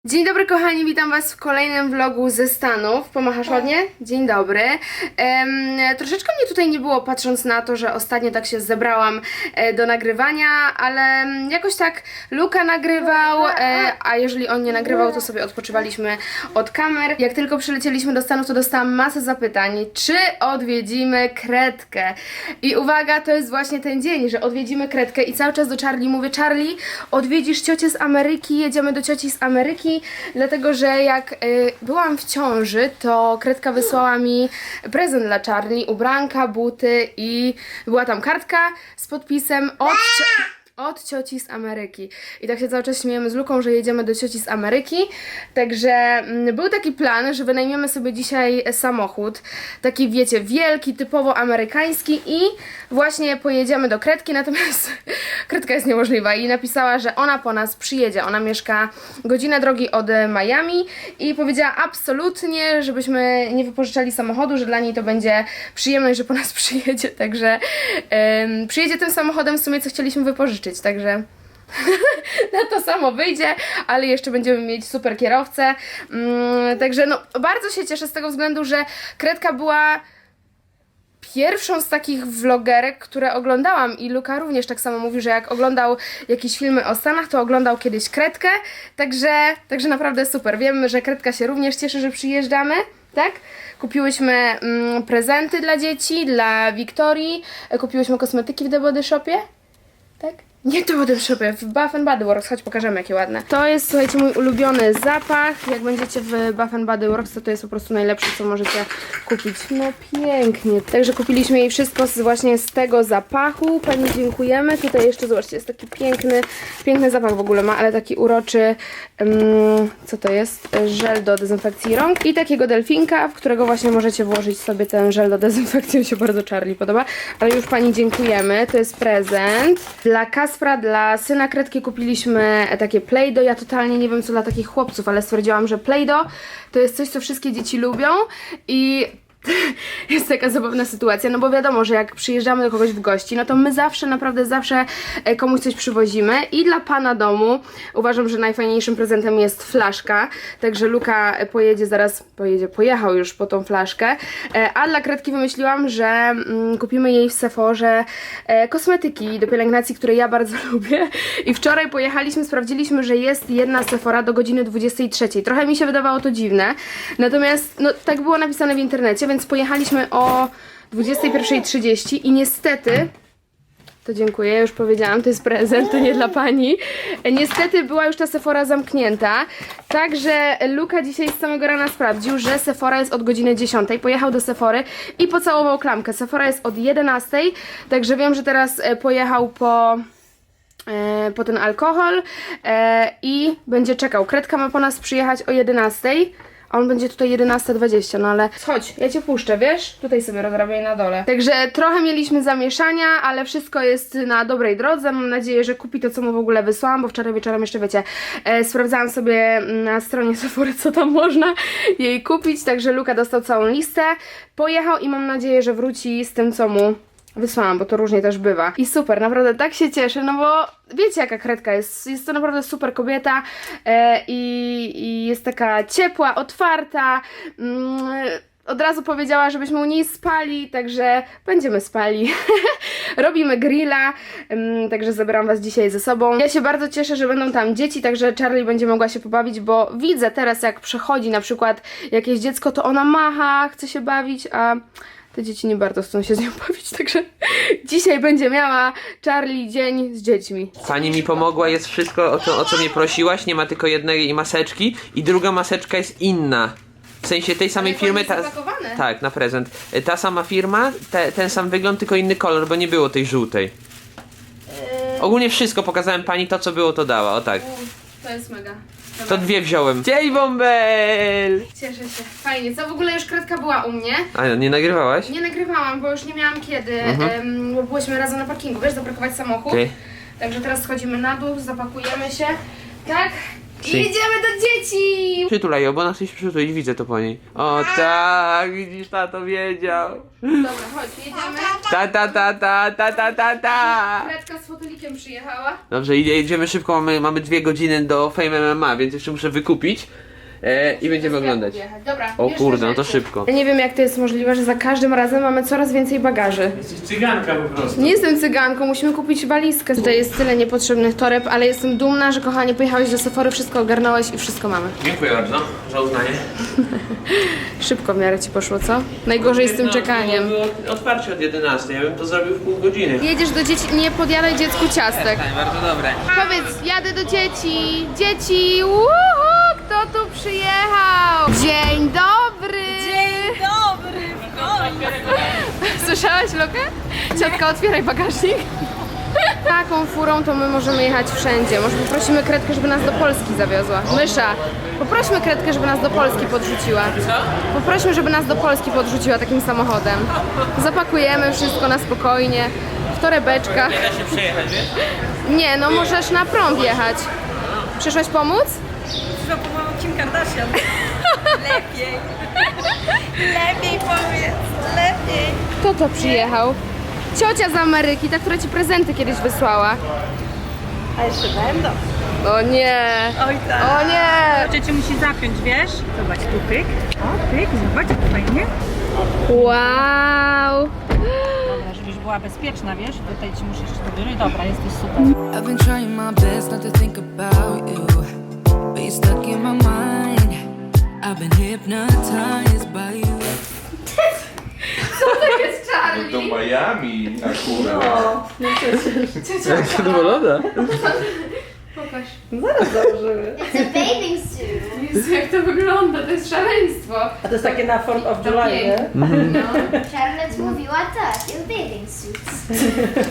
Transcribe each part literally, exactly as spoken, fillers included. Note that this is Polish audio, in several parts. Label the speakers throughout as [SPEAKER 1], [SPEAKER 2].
[SPEAKER 1] Dzień dobry kochani, witam was w kolejnym vlogu ze Stanów. Pomachasz ładnie? Dzień dobry. Um, troszeczkę mnie tutaj nie było, patrząc na to, że ostatnio tak się zebrałam e, do nagrywania, ale jakoś tak Luka nagrywał, e, a jeżeli on nie nagrywał, to sobie odpoczywaliśmy od kamer. Jak tylko przylecieliśmy do Stanów, to dostałam masę zapytań, czy odwiedzimy Kredkę. I uwaga, to jest właśnie ten dzień, że odwiedzimy Kredkę i cały czas do Charlie mówię: Charlie, odwiedzisz ciocię z Ameryki, jedziemy do cioci z Ameryki. Dlatego, że jak y, byłam w ciąży, to Kredka wysłała mi prezent dla Charlie, ubranka, buty i była tam kartka z podpisem od, od cioci z Ameryki. I tak się cały czas śmiejemy z Luką, że jedziemy do cioci z Ameryki. Także mm, był taki plan, że wynajmiemy sobie dzisiaj samochód. Taki, wiecie, wielki, typowo amerykański i właśnie pojedziemy do Kredki, natomiast Kredka jest niemożliwa i napisała, że ona po nas przyjedzie. Ona mieszka godzinę drogi od Miami i powiedziała absolutnie, żebyśmy nie wypożyczali samochodu, że dla niej to będzie przyjemność, że po nas przyjedzie. Także ym, przyjedzie tym samochodem w sumie, co chcieliśmy wypożyczyć. Także na to samo wyjdzie, ale jeszcze będziemy mieć super kierowcę. Ym, także no, bardzo się cieszę z tego względu, że Kredka była pierwszą z takich vlogerek, które oglądałam i Luka również tak samo mówi, że jak oglądał jakieś filmy o Stanach, to oglądał kiedyś Kredkę, także, także naprawdę super. Wiemy, że Kredka się również cieszy, że przyjeżdżamy, tak? Kupiłyśmy mm, prezenty dla dzieci, dla Wiktorii, kupiłyśmy kosmetyki w The Body Shopie, tak? Nie w The Body Shopie, w Bath and Body Works, chodź pokażemy jakie ładne. To jest, słuchajcie, mój ulubiony zapach. Jak będziecie w Bath and Body Works, to to jest po prostu najlepsze, co możecie kupić. No pięknie. Także kupiliśmy jej wszystko z, właśnie z tego zapachu. Pani dziękujemy. Tutaj jeszcze, zobaczcie, jest taki piękny, piękny zapach w ogóle ma, ale taki uroczy, um, co to jest? Żel do dezynfekcji rąk i takiego delfinka, w którego właśnie możecie włożyć sobie ten żel do dezynfekcji. Mi się bardzo Charlie podoba, ale już pani dziękujemy. To jest prezent dla Kas Dla syna Kredki kupiliśmy takie Play-Doh. Ja totalnie nie wiem co dla takich chłopców, ale stwierdziłam, że Play-Doh to jest coś, co wszystkie dzieci lubią i jest taka zabawna sytuacja, no bo wiadomo, że jak przyjeżdżamy do kogoś w gości, no to my zawsze, naprawdę zawsze komuś coś przywozimy i dla pana domu uważam, że najfajniejszym prezentem jest flaszka, także Luka pojedzie zaraz, pojedzie, pojechał już po tą flaszkę, a dla Kredki wymyśliłam, że mm, kupimy jej w Sephorze e, kosmetyki do pielęgnacji, które ja bardzo lubię i wczoraj pojechaliśmy, sprawdziliśmy, że jest jedna Sephora do godziny dwudziestej trzeciej. Trochę mi się wydawało to dziwne, natomiast no tak było napisane w internecie, więc pojechaliśmy o dwudziestej pierwszej trzydzieści i niestety, to dziękuję, już powiedziałam, to jest prezent, to nie dla pani. Niestety była już ta Sephora zamknięta, także Luka dzisiaj z samego rana sprawdził, że Sephora jest od godziny dziesiątej. Pojechał do Sephory i pocałował klamkę. Sephora jest od jedenastej, także wiem, że teraz pojechał po... po ten alkohol i będzie czekał. Kredka ma po nas przyjechać o jedenastej. A on będzie tutaj jedenasta dwadzieścia, no ale chodź, ja cię puszczę, wiesz? Tutaj sobie rozrabiaj na dole. Także trochę mieliśmy zamieszania, ale wszystko jest na dobrej drodze. Mam nadzieję, że kupi to, co mu w ogóle wysłałam, bo wczoraj wieczorem jeszcze, wiecie, e, sprawdzałam sobie na stronie Sephory, co tam można jej kupić. Także Luka dostał całą listę, pojechał i mam nadzieję, że wróci z tym, co mu wysłałam, bo to różnie też bywa. I super, naprawdę tak się cieszę, no bo wiecie jaka Kredka jest. Jest to naprawdę super kobieta e, i, i jest taka ciepła, otwarta. Mm, od razu powiedziała, żebyśmy u niej spali, także będziemy spali. Robimy grilla, um, także zabieram was dzisiaj ze sobą. Ja się bardzo cieszę, że będą tam dzieci, także Charlie będzie mogła się pobawić, bo widzę teraz, jak przechodzi na przykład jakieś dziecko, to ona macha, chce się bawić, a te dzieci nie bardzo chcą się z nią bawić, także dzisiaj będzie miała Charlie dzień z dziećmi.
[SPEAKER 2] Pani mi pomogła, jest wszystko o, to, o co mnie prosiłaś, nie ma tylko jednej maseczki i druga maseczka jest inna. W sensie tej samej
[SPEAKER 1] Ale
[SPEAKER 2] firmy, ta,
[SPEAKER 1] zapakowane.
[SPEAKER 2] tak, na prezent. Ta sama firma, te, ten sam wygląd, tylko inny kolor, bo nie było tej żółtej.
[SPEAKER 1] Yy...
[SPEAKER 2] Ogólnie wszystko pokazałem pani, to co było, to dała, o tak.
[SPEAKER 1] To jest mega. Dobra.
[SPEAKER 2] To dwie wziąłem. Dzień bąbel!
[SPEAKER 1] Cieszę się. Fajnie. Co w ogóle już Kredka była u mnie.
[SPEAKER 2] A nie nagrywałaś?
[SPEAKER 1] Nie nagrywałam, bo już nie miałam kiedy,
[SPEAKER 2] Mhm.
[SPEAKER 1] em, bo byłyśmy razem na parkingu, wiesz, zaparkować samochód.
[SPEAKER 2] Okay.
[SPEAKER 1] Także teraz schodzimy na dół, zapakujemy się, tak? I
[SPEAKER 2] Si.
[SPEAKER 1] jedziemy do dzieci!
[SPEAKER 2] Przytulaj ją, bo ona chce się przytulić, widzę to po niej. O tak, widzisz, tato wiedział.
[SPEAKER 1] Dobra, chodź, jedziemy.
[SPEAKER 2] Ta ta ta ta ta ta ta ta.
[SPEAKER 1] Kredka z fotelikiem przyjechała.
[SPEAKER 2] Dobrze, idzie- jedziemy szybko, mamy, mamy dwie godziny do Fame M M A, więc jeszcze muszę wykupić e, i będziemy oglądać.
[SPEAKER 1] Dobra,
[SPEAKER 2] O
[SPEAKER 1] bierz
[SPEAKER 2] kurde, no to
[SPEAKER 1] rzeczy.
[SPEAKER 2] szybko.
[SPEAKER 1] Ja nie wiem, jak to jest możliwe, że za każdym razem mamy coraz więcej bagaży.
[SPEAKER 3] Jesteś cyganka po prostu.
[SPEAKER 1] Nie jestem cyganką, musimy kupić walizkę. Tutaj jest tyle niepotrzebnych toreb, ale jestem dumna, że kochanie pojechałeś do Sephory, wszystko ogarnąłeś i wszystko mamy.
[SPEAKER 2] Dziękuję bardzo za uznanie.
[SPEAKER 1] Szybko w miarę ci poszło, co? Najgorzej z tym czekaniem.
[SPEAKER 2] Było otwarcie od jedenastej, ja bym to zrobił w pół godziny.
[SPEAKER 1] Jedziesz do dzieci, nie podjadaj dziecku ciastek.
[SPEAKER 2] Bardzo dobre.
[SPEAKER 1] Powiedz, jadę do dzieci! Dzieci! Uhu! Kto tu przyjechał? Dzień dobry!
[SPEAKER 4] Dzień dobry, w końcu.
[SPEAKER 1] Słyszałaś, Lukę? Ciotka, otwieraj bagażnik. Taką furą to my możemy jechać wszędzie. Może poprosimy Kredkę, żeby nas do Polski zawiozła. Mysza, poprośmy Kredkę, żeby nas do Polski podrzuciła.
[SPEAKER 2] Co?
[SPEAKER 1] Poprośmy, żeby nas do Polski podrzuciła takim samochodem. Zapakujemy wszystko na spokojnie, w torebeczkach.
[SPEAKER 2] Da się przejechać, wiesz?
[SPEAKER 1] Nie, no możesz na prąd jechać. Przyszłaś pomóc?
[SPEAKER 4] Przyszła pomogą Kim Kardashian. Lepiej. Lepiej powiedz, lepiej.
[SPEAKER 1] Kto to przyjechał? Ciocia z Ameryki, ta, która ci prezenty kiedyś wysłała.
[SPEAKER 4] A jeszcze będą.
[SPEAKER 1] O nie!
[SPEAKER 4] Oj tak.
[SPEAKER 1] O nie!
[SPEAKER 4] Cię musi zapiąć, wiesz? Zobacz, tu pyk. O, pyk, zobacz, jak fajnie.
[SPEAKER 1] Wow!
[SPEAKER 4] Dobra, żebyś była bezpieczna, wiesz? Tutaj ci muszę jeszcze dobiorę. Dobra, jesteś super.
[SPEAKER 5] I've been trying my best not to think about you, but you're stuck in my mind. I've been hypnotized by you.
[SPEAKER 1] To jest Charlie!
[SPEAKER 6] Do Miami akurat.
[SPEAKER 2] Zadowolona?
[SPEAKER 1] Pokaż.
[SPEAKER 4] Zaraz założymy.
[SPEAKER 7] It's a bathing suit.
[SPEAKER 1] Jezu, jak to wygląda, to jest szaleństwo.
[SPEAKER 4] A to jest takie na fourth of July, nie?
[SPEAKER 1] No.
[SPEAKER 7] Charlotte mówiła tak, jest bathing suits.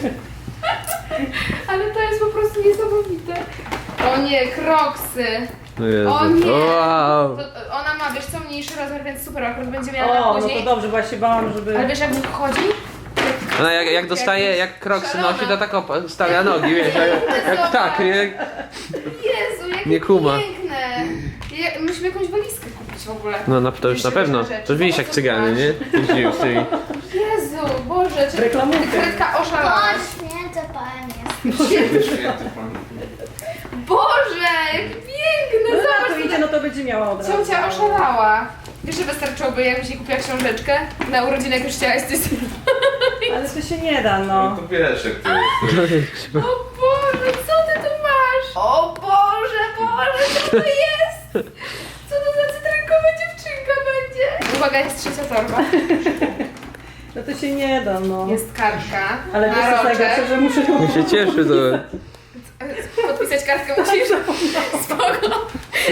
[SPEAKER 1] Ale to jest po prostu niesamowite. O nie, kroksy.
[SPEAKER 2] No Jezu.
[SPEAKER 1] O nie!
[SPEAKER 2] Wow.
[SPEAKER 1] To, ona ma, wiesz co, mniejszy rozmiar, więc super, akurat będzie miała na
[SPEAKER 4] O, no
[SPEAKER 1] później.
[SPEAKER 4] to dobrze, bo ja się bałam, żeby...
[SPEAKER 1] Ale wiesz jak wychodzi?
[SPEAKER 2] Ona jak, jak dostaje, jak kroksy nosi, to tak opa- stawia nogi, wiesz, jak, jak ptak, nie?
[SPEAKER 1] Jezu, jakie
[SPEAKER 2] Nie kuma.
[SPEAKER 1] piękne. Ja, musimy jakąś walizkę kupić w ogóle.
[SPEAKER 2] No na, to już na pewno. To widzisz jak cygany, nie? Jeździł z tymi.
[SPEAKER 1] Jezu, Boże, czy
[SPEAKER 4] Reklamówkę.
[SPEAKER 1] Kredka
[SPEAKER 7] O,
[SPEAKER 1] oszalałaś?
[SPEAKER 7] święte panie.
[SPEAKER 1] Boże, jak piękne,
[SPEAKER 4] No na
[SPEAKER 1] zobacz.
[SPEAKER 4] to idzie, no to będzie miała od razu.
[SPEAKER 1] Ciocia oszalała. Wiesz, że wystarczyłoby, jakbyś jej kupiła książeczkę na urodziny, jak już chciałaś coś.
[SPEAKER 4] Ale to się nie da, no.
[SPEAKER 6] To wiesz jak to jest.
[SPEAKER 1] O Boże, co ty tu masz? O Boże, Boże, co to jest? Co to za cytrynkowa dziewczynka będzie? Uwaga, jest trzecia torba.
[SPEAKER 4] No to się nie da, no.
[SPEAKER 1] Jest kartka
[SPEAKER 4] Ale
[SPEAKER 1] na
[SPEAKER 4] wiesz co
[SPEAKER 1] roczek.
[SPEAKER 4] najgorsze, że muszę ją...
[SPEAKER 2] się cieszy to.
[SPEAKER 1] Podpisać kartkę musisz. Spoko.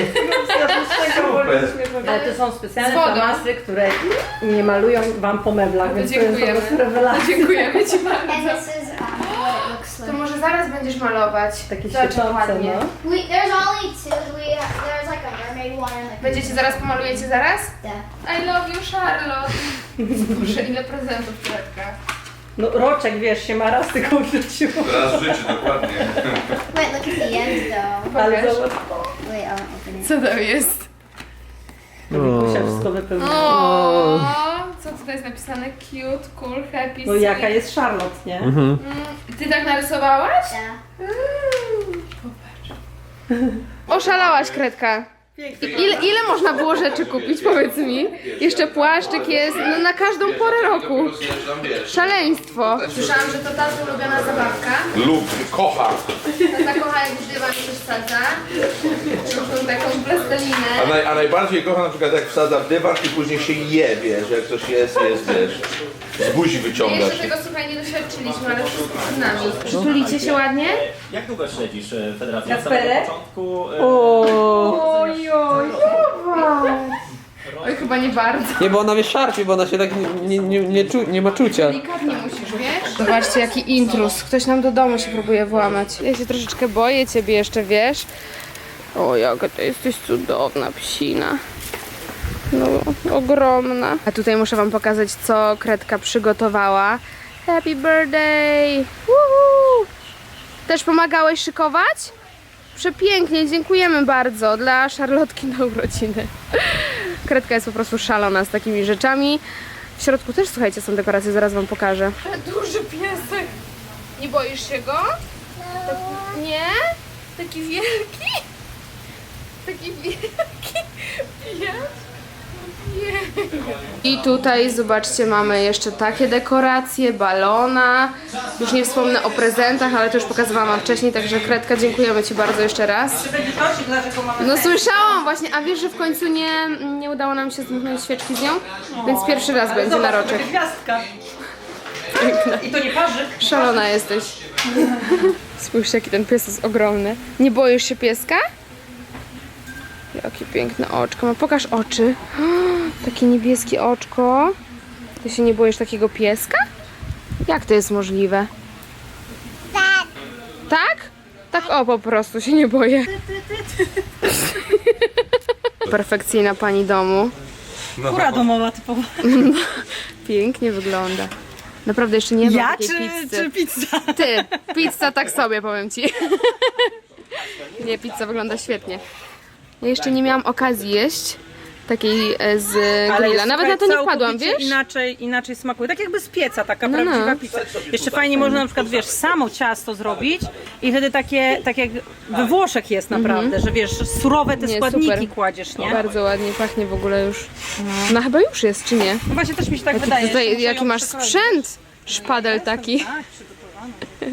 [SPEAKER 4] Ale to są specjalne
[SPEAKER 1] Z wodą.
[SPEAKER 4] tamasy, które nie malują wam po meblach, więc to jest po
[SPEAKER 1] Dziękujemy.
[SPEAKER 4] prostu rewelacja.
[SPEAKER 1] Dziękujemy Ci
[SPEAKER 7] And
[SPEAKER 1] bardzo.
[SPEAKER 7] this is um, what it looks
[SPEAKER 1] To
[SPEAKER 7] like.
[SPEAKER 1] może zaraz będziesz malować.
[SPEAKER 4] Takie
[SPEAKER 1] Zobacz, jak
[SPEAKER 4] świecące,
[SPEAKER 1] ładnie.
[SPEAKER 4] no.
[SPEAKER 7] We, there's only two. We there's like a mermaid one and like.
[SPEAKER 1] Będziecie zaraz, pomalujecie zaraz?
[SPEAKER 7] Yeah.
[SPEAKER 1] I love you, Charlotte. Boże, ile prezentów, Kredka.
[SPEAKER 4] No roczek, wiesz, się ma raz tylko w życiu.
[SPEAKER 6] Raz w życiu, dokładnie.
[SPEAKER 7] Wait, look at the end though.
[SPEAKER 4] Ale
[SPEAKER 1] Pokaż.
[SPEAKER 4] zobacz,
[SPEAKER 7] Wait, I won't open it.
[SPEAKER 1] Co to jest?
[SPEAKER 4] Mikusia wszystko wypełniła.
[SPEAKER 1] O, co tutaj jest napisane? Cute, cool, happy,
[SPEAKER 4] No
[SPEAKER 1] sweet.
[SPEAKER 4] jaka jest Charlotte, nie?
[SPEAKER 1] Mm, Ty tak narysowałaś?
[SPEAKER 7] Yeah.
[SPEAKER 1] Mm, Popatrz. Oszalałaś, Kredka.
[SPEAKER 4] Pięknie.
[SPEAKER 1] Ile, ile można było rzeczy kupić, powiedz mi? Jeszcze płaszczyk jest, no na każdą porę roku. Szaleństwo. Słyszałam, że to tata ulubiona zabawka.
[SPEAKER 6] Lub, kocha.
[SPEAKER 1] Tata kocha, jak w dywan się wsadza. Różną taką plastelinę.
[SPEAKER 6] A, naj, a najbardziej kocha na przykład jak wsadza w dywan i później się je, wiesz, jak coś jest, jest, wiesz. Z buzi wyciągasz.
[SPEAKER 1] Jeszcze tego, słuchaj, nie doświadczyliśmy, ale wszystko przed nami. Przytulicie się ładnie?
[SPEAKER 3] Jak długo śledzisz e, Federację? Od
[SPEAKER 4] Kasperek?
[SPEAKER 3] samego początku? e,
[SPEAKER 1] Oj, oj, Oj, chyba nie bardzo.
[SPEAKER 2] Nie, bo ona mnie szarpie, bo ona się tak nie, nie, nie, nie, czu, nie ma czucia.
[SPEAKER 1] Delikatnie musisz, wiesz? Zobaczcie, jaki intruz. Ktoś nam do domu się próbuje włamać. Ja się troszeczkę boję ciebie jeszcze, wiesz? O, jaka ty jesteś cudowna psina. No, ogromna. A tutaj muszę wam pokazać, co Kredka przygotowała. Happy birthday! Woohoo! Też pomagałeś szykować? przepięknie, dziękujemy bardzo dla Szarlotki na urodziny. Kredka jest po prostu szalona z takimi rzeczami. W środku też, słuchajcie, są dekoracje, zaraz wam pokażę. Duży piesek. Nie boisz się go? Tak, nie? Taki wielki? Taki wielki pies? I tutaj zobaczcie, mamy jeszcze takie dekoracje, balona. Już nie wspomnę o prezentach, ale to już pokazywałam wam wcześniej, także Kredka, dziękujemy Ci bardzo jeszcze raz.
[SPEAKER 4] Czy będzie prosik, dlaczego mamy
[SPEAKER 1] No słyszałam właśnie, a wiesz, że w końcu nie, nie udało nam się zdmuchnąć świeczki z nią? Więc pierwszy raz będzie na roczek.
[SPEAKER 4] gwiazdka. I to nie parzyk.
[SPEAKER 1] Szalona jesteś. Spójrzcie, jaki ten pies jest ogromny. Nie boisz się pieska? Jakie piękne oczko. No pokaż oczy. Takie niebieskie oczko. Ty się nie boisz takiego pieska? Jak to jest możliwe? Tak. Tak? Tak o, po prostu się nie boję. Perfekcyjna pani domu.
[SPEAKER 4] Kura domowa typowa.
[SPEAKER 1] Pięknie wygląda. Naprawdę jeszcze nie ma
[SPEAKER 4] Ja
[SPEAKER 1] takiej
[SPEAKER 4] czy,
[SPEAKER 1] pizzy.
[SPEAKER 4] czy pizza?
[SPEAKER 1] Ty, pizza tak sobie, powiem ci. Nie, pizza wygląda świetnie. Ja jeszcze nie miałam okazji jeść takiej e, z grilla. Nawet na to nie wpadłam, wiesz?
[SPEAKER 4] Inaczej, inaczej smakuje. Tak jakby z pieca, taka
[SPEAKER 1] No,
[SPEAKER 4] prawdziwa
[SPEAKER 1] no.
[SPEAKER 4] pizza. Jeszcze fajnie można na przykład, wiesz, samo ciasto zrobić i wtedy takie, tak jak we Włoszech jest naprawdę, że wiesz, surowe te
[SPEAKER 1] Nie,
[SPEAKER 4] składniki
[SPEAKER 1] super.
[SPEAKER 4] kładziesz, nie?
[SPEAKER 1] Bardzo ładnie pachnie w ogóle już. No chyba już jest, czy nie?
[SPEAKER 4] No właśnie też mi się tak
[SPEAKER 1] Jaki,
[SPEAKER 4] wydaje. że
[SPEAKER 1] tutaj,
[SPEAKER 4] muszę
[SPEAKER 1] jaki
[SPEAKER 4] ją
[SPEAKER 1] masz
[SPEAKER 4] przekroić.
[SPEAKER 1] sprzęt? Szpadel taki.
[SPEAKER 4] Tak, przygotowany.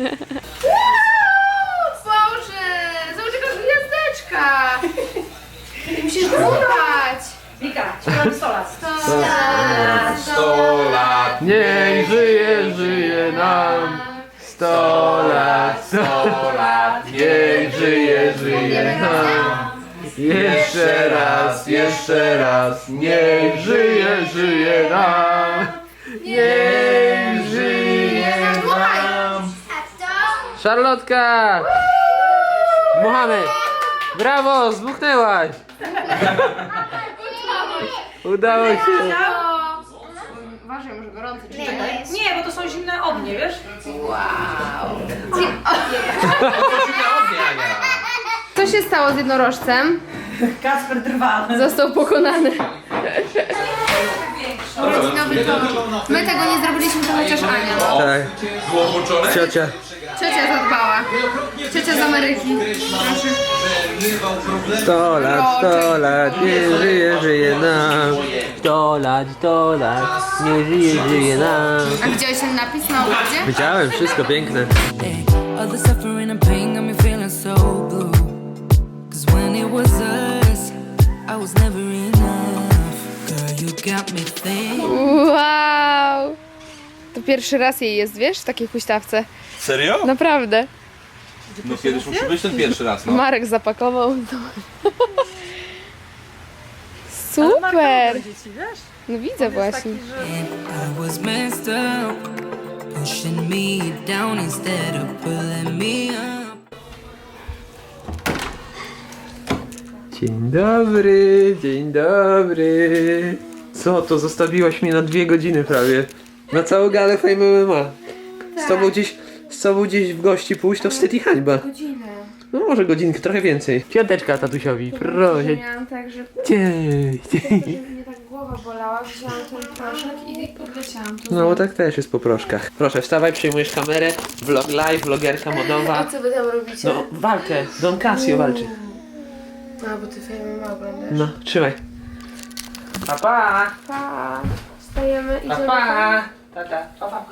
[SPEAKER 1] Boże! Zobacz jaka gwiazdeczka! Musisz dmuchać!
[SPEAKER 4] Wika, śpiewamy sto lat.
[SPEAKER 6] sto lat.
[SPEAKER 2] Niech żyje, żyje nam. Sto lat, sto lat. Niech żyje, żyje nam. Jeszcze raz, jeszcze raz. Niech żyje, żyje nam. Niech żyje nam. Szarlotka! Dmuchamy! Brawo, zbuchnęłaś! Udało się!
[SPEAKER 1] Uważaj, może gorący.
[SPEAKER 4] Nie, bo to są zimne ognie, wiesz?
[SPEAKER 1] Co się stało z jednorożcem?
[SPEAKER 4] Kasper drwa.
[SPEAKER 1] Został pokonany. Urodzinowy torт. My tego nie zrobiliśmy, to chociaż Ania.
[SPEAKER 2] Tak,
[SPEAKER 6] Było włączone?
[SPEAKER 2] ciocia.
[SPEAKER 1] Ciocia zadbała. Ciocia z Ameryki. Proszę.
[SPEAKER 2] Sto lat, sto lat, nie żyje, żyje nam. Sto lat, sto lat, nie żyje, żyje nam.
[SPEAKER 1] A widziałeś ten napis na ogrodzie?
[SPEAKER 2] Widziałem, wszystko piękne.
[SPEAKER 5] Hey, all the suffering and pain got me feeling so blue. Cause when it was us, I was never enough. Girl, you got me thinking.
[SPEAKER 1] Wow! To pierwszy raz jej jest, wiesz, w takiej huśtawce.
[SPEAKER 6] Serio?
[SPEAKER 1] Naprawdę.
[SPEAKER 6] No kiedyś musi być ten pierwszy raz, no.
[SPEAKER 1] Marek zapakował. Super!
[SPEAKER 4] Dzieci, wiesz?
[SPEAKER 1] No widzę właśnie.
[SPEAKER 5] I was messed up, pushing me down instead of pulling me up.
[SPEAKER 2] Dzień dobry, dzień dobry. Co to, zostawiłaś mnie na dwie godziny prawie. Na całą galę Fame M M A. Z tobą gdzieś, z tobą gdzieś w gości pójść to wstyd i hańba.
[SPEAKER 1] Godzinę.
[SPEAKER 2] No może godzinkę, trochę więcej. Piąteczka tatusiowi, proszę.
[SPEAKER 1] Miałam tak, że
[SPEAKER 2] Cześć.
[SPEAKER 1] mnie tak głowa bolała, wzięłam ten proszek i odleciałam tu.
[SPEAKER 2] No bo tak też jest po proszkach. Proszę, wstawaj, przejmujesz kamerę. Vlog live, vlogerka modowa.
[SPEAKER 1] A co wy tam robicie?
[SPEAKER 2] No, walkę. Don Casio walczy.
[SPEAKER 1] A, bo ty filmy ma oglądasz.
[SPEAKER 2] No, trzymaj. Pa, pa.
[SPEAKER 1] Pa. Wstajemy i
[SPEAKER 2] Pa, pa. Tata, pa, pa.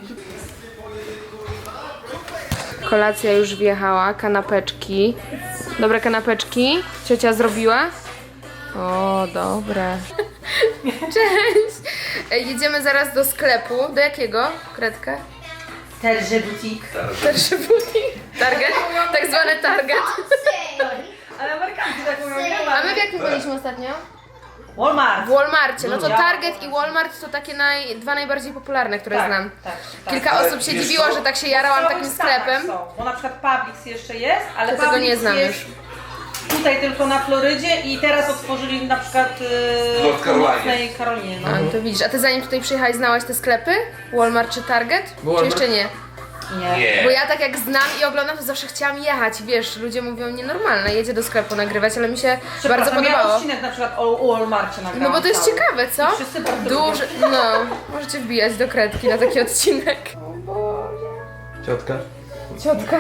[SPEAKER 1] Kolacja już wjechała, kanapeczki. Dobre kanapeczki? Ciocia zrobiła? O, dobre. Cześć! E, Jedziemy zaraz do sklepu. Do jakiego? Kredka?
[SPEAKER 4] Terże boutique.
[SPEAKER 1] Pierwszy butik. Target? Tak zwany Target.
[SPEAKER 4] Ale Amerykanki tak mówią, nie
[SPEAKER 1] A my w jakim byliśmy ostatnio?
[SPEAKER 4] Walmart.
[SPEAKER 1] W Walmarcie. No to Target i Walmart to takie naj, dwa najbardziej popularne, które
[SPEAKER 4] Tak,
[SPEAKER 1] znam.
[SPEAKER 4] tak, tak.
[SPEAKER 1] Kilka osób się dziwiło, że tak się jarałam
[SPEAKER 4] W
[SPEAKER 1] takim
[SPEAKER 4] całych Stanach
[SPEAKER 1] sklepem.
[SPEAKER 4] są, bo na przykład Publix jeszcze jest, ale
[SPEAKER 1] To tego
[SPEAKER 4] Publix
[SPEAKER 1] nie znam
[SPEAKER 4] jest tutaj tylko na Florydzie i teraz otworzyli na przykład yy,
[SPEAKER 6] North
[SPEAKER 4] w
[SPEAKER 6] Carolinie.
[SPEAKER 4] północnej Karolinie. No.
[SPEAKER 1] A, to widzisz. A ty zanim tutaj przyjechałaś znałaś te sklepy? Walmart czy Target? Czy
[SPEAKER 2] Walmart.
[SPEAKER 1] jeszcze nie?
[SPEAKER 6] Nie.
[SPEAKER 1] Bo ja tak jak znam i oglądam, to zawsze chciałam jechać. Wiesz, ludzie mówią nienormalne, jedzie do sklepu nagrywać, ale mi się bardzo
[SPEAKER 4] Przepraszam, ja
[SPEAKER 1] podobało.
[SPEAKER 4] odcinek na przykład o Walmarcie nagrałam.
[SPEAKER 1] No bo to jest
[SPEAKER 4] cały.
[SPEAKER 1] ciekawe, co?
[SPEAKER 4] I wszyscy bardzo
[SPEAKER 1] Duży, no, możecie wbijać do kredki na taki odcinek. O Boże.
[SPEAKER 2] Ciotka.
[SPEAKER 1] Ciotka.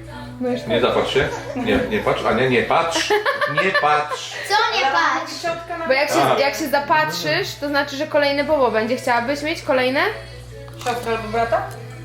[SPEAKER 6] Nie zapatrz się. Nie, nie patrz. Ania, nie patrz. Nie patrz.
[SPEAKER 7] Co nie patrz?
[SPEAKER 1] Bo jak się,
[SPEAKER 6] Tak.
[SPEAKER 1] jak się zapatrzysz, to znaczy, że kolejne bobo będzie. Chciałabyś mieć kolejne?
[SPEAKER 4] Siostra albo brata?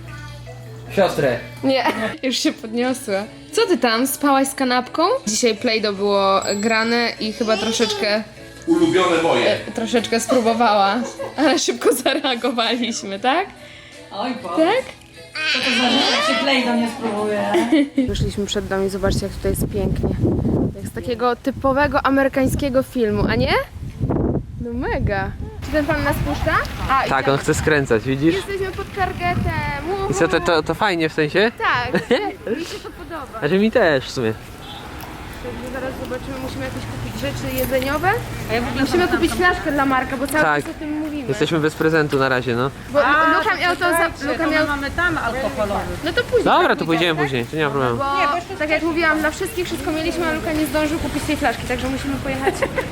[SPEAKER 2] Siostrę.
[SPEAKER 1] Nie. Już się podniosła. Co ty tam? Spałaś z kanapką? Dzisiaj Play-Doh było grane i chyba troszeczkę,
[SPEAKER 6] Ulubione moje.
[SPEAKER 1] troszeczkę spróbowała. Ale szybko zareagowaliśmy, tak?
[SPEAKER 4] Oj, bo.
[SPEAKER 1] Tak?
[SPEAKER 4] Co to znaczy, jak się klej do mnie spróbuje?
[SPEAKER 1] Wyszliśmy przed dom i zobaczcie, jak tutaj jest pięknie. Jak z takiego typowego amerykańskiego filmu, a nie? No mega. Czy ten pan nas puszcza? A,
[SPEAKER 2] Tak,
[SPEAKER 1] idziemy.
[SPEAKER 2] on chce skręcać, widzisz?
[SPEAKER 1] Jesteśmy pod targetem.
[SPEAKER 2] I co, to, to, to fajnie w sensie?
[SPEAKER 1] Tak, mi się to podoba.
[SPEAKER 2] Znaczy mi też w sumie.
[SPEAKER 1] Także zaraz zobaczymy, musimy jakieś kupić rzeczy jedzeniowe.
[SPEAKER 4] A ja w ogóle
[SPEAKER 1] Musimy kupić flaszkę dla Marka, bo cały
[SPEAKER 2] Tak.
[SPEAKER 1] czas o tym mówimy.
[SPEAKER 2] Jesteśmy bez prezentu na razie, no.
[SPEAKER 1] Bo Luka miał to za... Luka miał...
[SPEAKER 4] mamy tam alkoholowy.
[SPEAKER 1] No to później.
[SPEAKER 2] Dobra,
[SPEAKER 1] tak,
[SPEAKER 2] to pójdziemy
[SPEAKER 1] tak?
[SPEAKER 2] później, to nie ma problemu.
[SPEAKER 1] Bo tak jak mówiłam, na wszystkich wszystko mieliśmy, a Luka nie zdążył kupić tej flaszki, także musimy pojechać.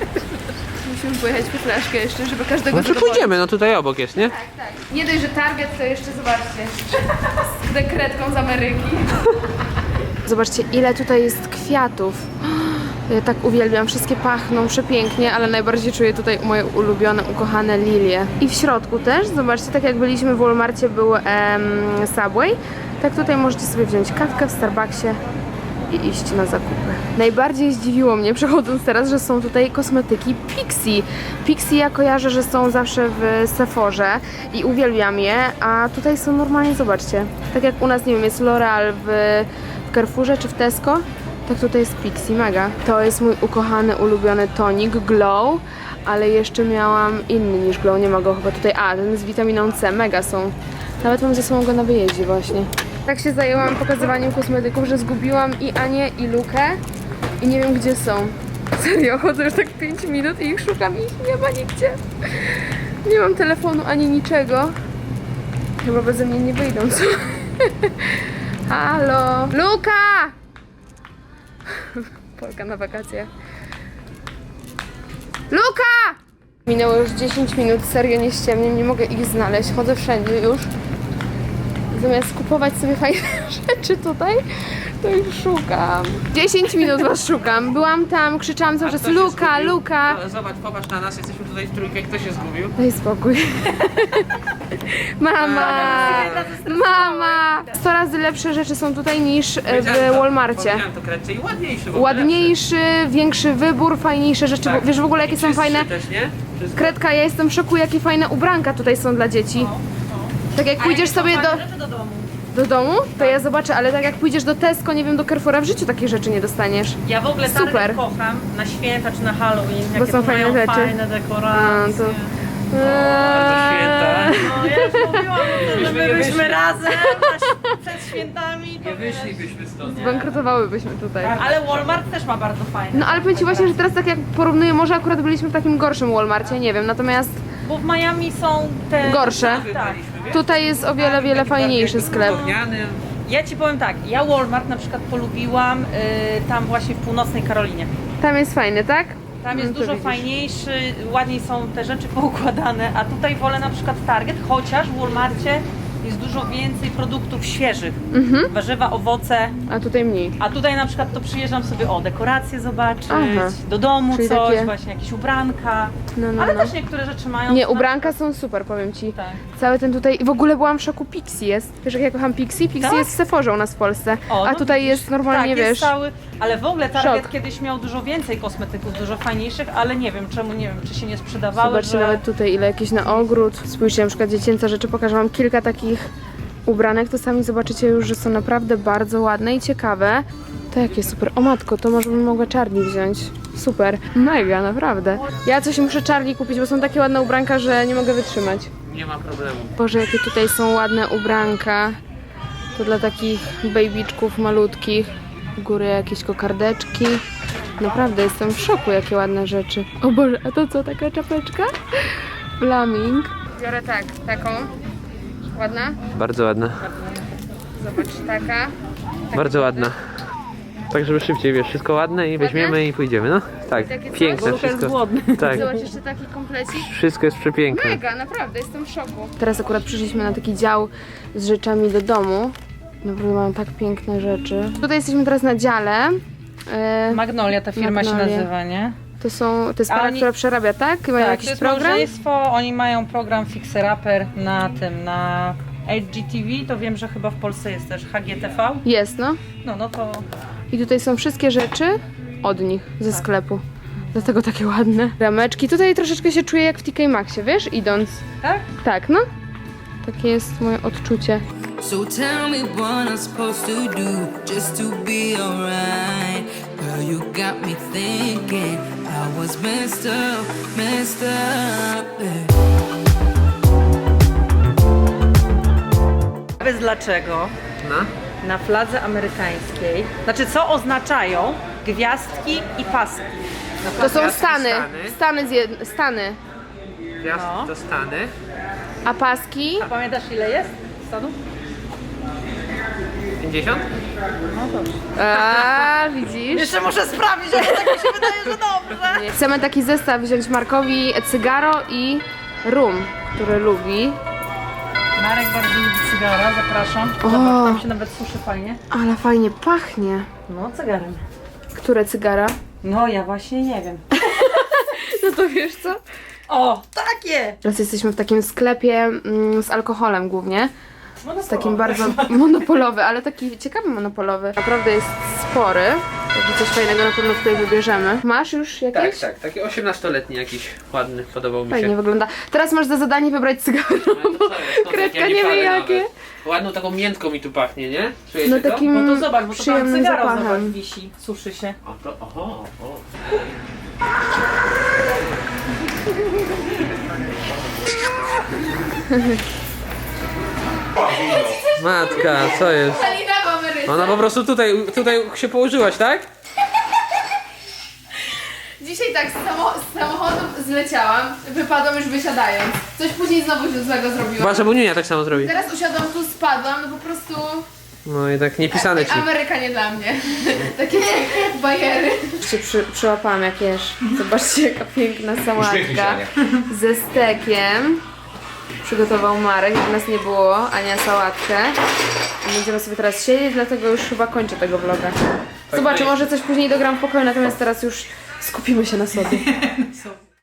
[SPEAKER 1] Musimy pojechać po flaszkę jeszcze, żeby każdego
[SPEAKER 2] No to
[SPEAKER 1] zadowolić.
[SPEAKER 2] pójdziemy, no tutaj obok jest, nie?
[SPEAKER 1] Tak, tak. Nie dość, że Target, to jeszcze zobaczcie. Z dekretką z Ameryki. Zobaczcie, ile tutaj jest kwiatów. Ja tak uwielbiam, wszystkie pachną przepięknie, ale najbardziej czuję tutaj moje ulubione, ukochane lilie. I w środku też, zobaczcie, tak jak byliśmy w Walmarcie był em, Subway, tak tutaj możecie sobie wziąć kawkę w Starbucksie i iść na zakupy. Najbardziej zdziwiło mnie, przechodząc teraz, że są tutaj kosmetyki Pixi. Pixi ja kojarzę, że są zawsze w Sephorze i uwielbiam je, a tutaj są normalnie, zobaczcie, tak jak u nas, nie wiem, jest L'Oreal w, w Carrefourze czy w Tesco, tak tutaj jest Pixi, mega. To jest mój ukochany, ulubiony tonik Glow, ale jeszcze miałam inny niż Glow, nie ma go chyba tutaj, a ten z witaminą C, mega są. Nawet mam ze sobą go na wyjeździe właśnie. Tak się zajęłam pokazywaniem kosmetyków, że zgubiłam i Anię, i Lukę i nie wiem gdzie są. Serio, chodzę już tak pięć minut i ich szukam i ich nie ma nigdzie. Nie mam telefonu ani niczego. Chyba beze mnie nie wyjdą, co? Halo! Luka! Polka na wakacjach. Luka! Minęło już dziesięć minut, serio nie ściemniam, nie mogę ich znaleźć. Chodzę wszędzie już. Zamiast kupować sobie fajne rzeczy tutaj, to ich szukam. dziesięć minut was szukam. Byłam tam, krzyczałam cały czas Luka, Luka.
[SPEAKER 2] Zobacz, popatrz na nas, jesteśmy tutaj w trójkę, kto się zgubił?
[SPEAKER 1] Daj spokój. Mama! Mama! sto razy lepsze rzeczy są tutaj niż e, w Walmarcie.
[SPEAKER 2] to kredce i ładniejszy.
[SPEAKER 1] Ładniejszy, większy wybór, fajniejsze rzeczy. Bo wiesz w ogóle jakie są fajne?
[SPEAKER 2] też, nie? Wszystko.
[SPEAKER 1] Kredka, ja jestem w szoku, jakie fajne ubranka tutaj są dla dzieci. Tak jak pójdziesz sobie do,
[SPEAKER 4] Rzeczy do domu.
[SPEAKER 1] do domu, to ja zobaczę, ale tak jak pójdziesz do Tesco, nie wiem, do Carrefoura, w życiu takich rzeczy nie dostaniesz.
[SPEAKER 4] Ja w ogóle
[SPEAKER 1] Super.
[SPEAKER 4] Target kocham na święta czy na Halloween, jakie
[SPEAKER 1] są
[SPEAKER 4] tu
[SPEAKER 1] fajne
[SPEAKER 4] mają
[SPEAKER 1] rzeczy.
[SPEAKER 4] fajne
[SPEAKER 1] A,
[SPEAKER 4] dekoracje.
[SPEAKER 1] to...
[SPEAKER 2] święta.
[SPEAKER 4] No ja już mówiłam o tym, że
[SPEAKER 2] Byśmy
[SPEAKER 4] my
[SPEAKER 2] nie
[SPEAKER 4] byśmy
[SPEAKER 2] wyszli.
[SPEAKER 4] razem na, przed świętami. To
[SPEAKER 2] Nie wyszlibyśmy stąd.
[SPEAKER 1] Zbankrutowałybyśmy tutaj.
[SPEAKER 4] Ale Walmart też ma bardzo fajne.
[SPEAKER 1] No ale powiem Ci właśnie, że teraz tak jak porównuję, może akurat byliśmy w takim gorszym Walmarcie, nie wiem, natomiast
[SPEAKER 4] Bo w Miami są te...
[SPEAKER 1] gorsze.
[SPEAKER 4] Tak.
[SPEAKER 1] Tutaj jest o wiele, wiele fajniejszy sklep.
[SPEAKER 4] Ja Ci powiem tak, ja Walmart na przykład polubiłam y, tam właśnie w północnej Karolinie.
[SPEAKER 1] Tam jest fajny, tak?
[SPEAKER 4] Tam jest
[SPEAKER 1] No to
[SPEAKER 4] dużo
[SPEAKER 1] widzisz.
[SPEAKER 4] fajniejszy, ładniej są te rzeczy poukładane, a tutaj wolę na przykład Target, chociaż w Walmarcie jest dużo więcej produktów świeżych.
[SPEAKER 1] Mhm.
[SPEAKER 4] Warzywa, owoce,
[SPEAKER 1] A tutaj mniej.
[SPEAKER 4] a tutaj na przykład to przyjeżdżam sobie o dekoracje zobaczyć,
[SPEAKER 1] Aha.
[SPEAKER 4] do domu
[SPEAKER 1] Czyli
[SPEAKER 4] coś,
[SPEAKER 1] takie-
[SPEAKER 4] właśnie jakieś ubranka,
[SPEAKER 1] No, no,
[SPEAKER 4] ale
[SPEAKER 1] no.
[SPEAKER 4] też niektóre rzeczy mają...
[SPEAKER 1] Nie,
[SPEAKER 4] na-
[SPEAKER 1] ubranka są super, powiem Ci.
[SPEAKER 4] Tak.
[SPEAKER 1] Cały ten tutaj, w ogóle byłam w szoku, Pixie jest. Wiesz jak ja kocham Pixie? Pixie
[SPEAKER 4] Tak?
[SPEAKER 1] jest w Sephorze u nas w Polsce.
[SPEAKER 4] O,
[SPEAKER 1] A
[SPEAKER 4] no
[SPEAKER 1] tutaj
[SPEAKER 4] widzisz.
[SPEAKER 1] jest normalnie,
[SPEAKER 4] tak, jest
[SPEAKER 1] wiesz...
[SPEAKER 4] cały, ale w ogóle Target
[SPEAKER 1] Szok.
[SPEAKER 4] kiedyś miał dużo więcej kosmetyków, dużo fajniejszych, ale nie wiem czemu, nie wiem, czy się nie sprzedawały,
[SPEAKER 1] Zobaczcie
[SPEAKER 4] że...
[SPEAKER 1] nawet tutaj ile jakieś na ogród. Spójrzcie, na przykład dziecięce rzeczy, pokażę wam kilka takich ubranek, to sami zobaczycie już, że są naprawdę bardzo ładne i ciekawe. To jakie super. O matko, to może bym mogła Charlie wziąć. Super. Mega, naprawdę. Ja coś muszę Charlie kupić, bo są takie ładne ubranka, że nie mogę wytrzymać.
[SPEAKER 2] Nie ma problemu.
[SPEAKER 1] Boże, jakie tutaj są ładne ubranka. To dla takich babyczków malutkich. U góry jakieś kokardeczki. Naprawdę jestem w szoku, jakie ładne rzeczy. O Boże, a to co, taka czapeczka? Flaming. Biorę tak, taką. Ładna?
[SPEAKER 2] Bardzo ładne.
[SPEAKER 1] Zobacz, taka.
[SPEAKER 2] Bardzo ładna. Tak, żeby szybciej, wiesz, wszystko ładne i weźmiemy i pójdziemy, no? Tak,
[SPEAKER 1] takie coś?
[SPEAKER 2] piękne
[SPEAKER 4] Luka jest
[SPEAKER 2] wszystko.
[SPEAKER 4] głodny.
[SPEAKER 2] Tak,
[SPEAKER 1] Zobacz, jeszcze taki komplecik.
[SPEAKER 2] wszystko jest przepiękne.
[SPEAKER 1] Mega, naprawdę, jestem w szoku. Teraz akurat przyszliśmy na taki dział z rzeczami do domu. Naprawdę mają tak piękne rzeczy. Tutaj jesteśmy teraz na dziale. E,
[SPEAKER 4] Magnolia ta firma
[SPEAKER 1] Magnolia.
[SPEAKER 4] się nazywa, nie?
[SPEAKER 1] to są, to jest
[SPEAKER 4] A
[SPEAKER 1] para,
[SPEAKER 4] oni-
[SPEAKER 1] która przerabia, tak? Mają
[SPEAKER 4] Tak,
[SPEAKER 1] jakiś
[SPEAKER 4] to jest
[SPEAKER 1] program?
[SPEAKER 4] małżeństwo, oni mają program Fixer Upper na tym, na H G T V, to wiem, że chyba w Polsce jest też H G T V.
[SPEAKER 1] Jest, no.
[SPEAKER 4] No, no to
[SPEAKER 1] I tutaj są wszystkie rzeczy od nich, ze sklepu. Dlatego takie ładne. Rameczki. Tutaj troszeczkę się czuję jak w T K Maxie, wiesz, idąc.
[SPEAKER 4] tak?
[SPEAKER 1] Tak, no. Takie jest moje odczucie.
[SPEAKER 5] So tell me what I'm supposed to do just to be alright. Girl, you got me thinking I was messed up, messed up. Yeah.
[SPEAKER 4] Wiesz dlaczego
[SPEAKER 2] No.
[SPEAKER 4] na fladze amerykańskiej, znaczy co oznaczają gwiazdki i paski?
[SPEAKER 1] To są
[SPEAKER 2] Gwiazdki
[SPEAKER 1] Stany.
[SPEAKER 2] Stany.
[SPEAKER 1] Stany, z jed... Stany.
[SPEAKER 2] Gwiazd
[SPEAKER 4] No.
[SPEAKER 2] to Stany.
[SPEAKER 1] A paski?
[SPEAKER 4] A pamiętasz ile jest stanów?
[SPEAKER 2] pięćdziesiąt?
[SPEAKER 1] A, widzisz?
[SPEAKER 4] Jeszcze muszę sprawdzić, ale tak mi się wydaje, że dobrze.
[SPEAKER 1] Chcemy taki zestaw wziąć Markowi cygaro i rum, który lubi.
[SPEAKER 4] Marek bardzo lubi cygara, zapraszam.
[SPEAKER 1] O.
[SPEAKER 4] Zobacz, tam się nawet suszy fajnie.
[SPEAKER 1] Ale fajnie pachnie.
[SPEAKER 4] No, cygarem.
[SPEAKER 1] Które cygara?
[SPEAKER 4] No, ja właśnie nie wiem.
[SPEAKER 1] No to wiesz co?
[SPEAKER 4] O, takie!
[SPEAKER 1] Teraz jesteśmy w takim sklepie mm, z alkoholem głównie. Z takim bardzo monopolowy, ale taki ciekawy monopolowy. Naprawdę jest spory. Także coś fajnego na pewno tutaj wybierzemy. Masz już
[SPEAKER 2] Tak,
[SPEAKER 1] jakieś?
[SPEAKER 2] tak. Taki osiemnastoletni jakiś ładny, podobał mi
[SPEAKER 1] Fajnie
[SPEAKER 2] się.
[SPEAKER 1] wygląda. Teraz masz za zadanie wybrać cygaro.
[SPEAKER 2] No to co jest? To
[SPEAKER 1] Kredka
[SPEAKER 2] takie
[SPEAKER 1] nie wie
[SPEAKER 2] parę
[SPEAKER 1] jakie.
[SPEAKER 2] nawet. Ładną taką miętką mi tu pachnie, nie? Czujecie
[SPEAKER 1] No
[SPEAKER 2] to?
[SPEAKER 1] takim
[SPEAKER 4] No to zobacz, bo to tam
[SPEAKER 1] przyjemnym
[SPEAKER 4] cygaro zobacz,
[SPEAKER 1] zapachem.
[SPEAKER 4] wisi, suszy się.
[SPEAKER 2] O, to, oho, o. Matka, co jest?
[SPEAKER 1] Salina w Ameryce.
[SPEAKER 2] Ona po prostu tutaj, tutaj się położyłaś, tak?
[SPEAKER 1] Dzisiaj tak z, samo, z samochodu zleciałam, wypadłam już wysiadając. Coś później znowu się złego zrobiłam.
[SPEAKER 2] Wasza Bunia tak samo zrobi.
[SPEAKER 1] Teraz usiadłam tu, spadłam, no po prostu
[SPEAKER 2] No i tak niepisane ci.
[SPEAKER 1] Ameryka nie dla mnie. Takie bajery. Się przy, przyłapałam jak jesz. Zobaczcie jaka piękna
[SPEAKER 6] Uśmiechnij się,
[SPEAKER 1] sałatka
[SPEAKER 6] Ania.
[SPEAKER 1] ze stekiem. Przygotował Marek, jak nas nie było, Ania sałatkę. I będziemy sobie teraz siedzieć, dlatego już chyba kończę tego vloga. Zobaczę, może coś później dogram w pokoju, natomiast teraz już skupimy się na sobie.